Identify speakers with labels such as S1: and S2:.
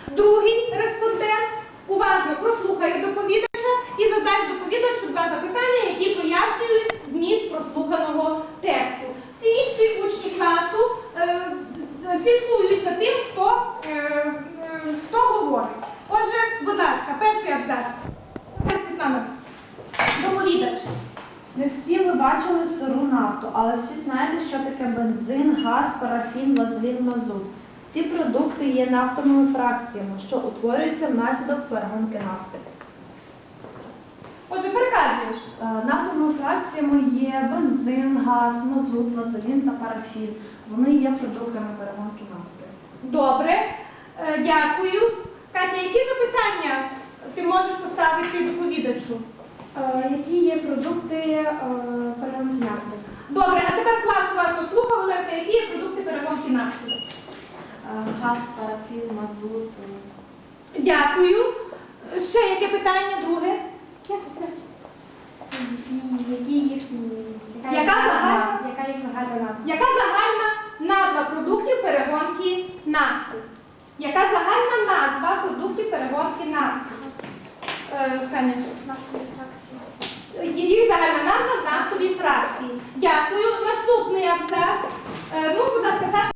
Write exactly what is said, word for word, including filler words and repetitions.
S1: Другий респондент уважно прослухає доповідача і задасть доповідачу два запитання, які пояснюють зміст прослуханого тексту. Всі інші учні класу е, слідкують за тим, хто, е, е, хто говорить. Отже, будь ласка, перший абзац. Світлана, доповідач.
S2: Не всі ви бачили сиру нафту, але всі знаєте, що таке бензин, газ, парафін, вазелін, мазут. Ці продукти є нафтовими фракціями, що утворюються внаслідок перегонки нафти.
S1: Отже, переказуєш.
S2: Е, Нафтовими фракціями є бензин, газ, мазут, вазелін та парафін. Вони є продуктами перегонки нафти.
S1: Добре, Е, дякую. Катя, які запитання ти можеш поставити доповідачу?
S3: Які є продукти е, перегонки нафти?
S1: Добре, а тепер клас уважно слухав, Оленка, які є продукти перегонки нафти?
S2: Е, Газ, парафін, мазут.
S1: Дякую. Ще яке питання? Друге?
S3: Які, які їхні,
S1: Яка
S3: їх назва?
S1: загальна?
S3: Яка їх загальна назва?
S1: Яка загальна назва продуктів перегонки нафти? Яка загальна назва продуктів перегонки нафти? Е, Таня.
S3: Нафтові фракції.
S1: Їх загальна назва нафтові фракції. Дякую. Наступний абзац. Е, ну, будь ласка, Саша.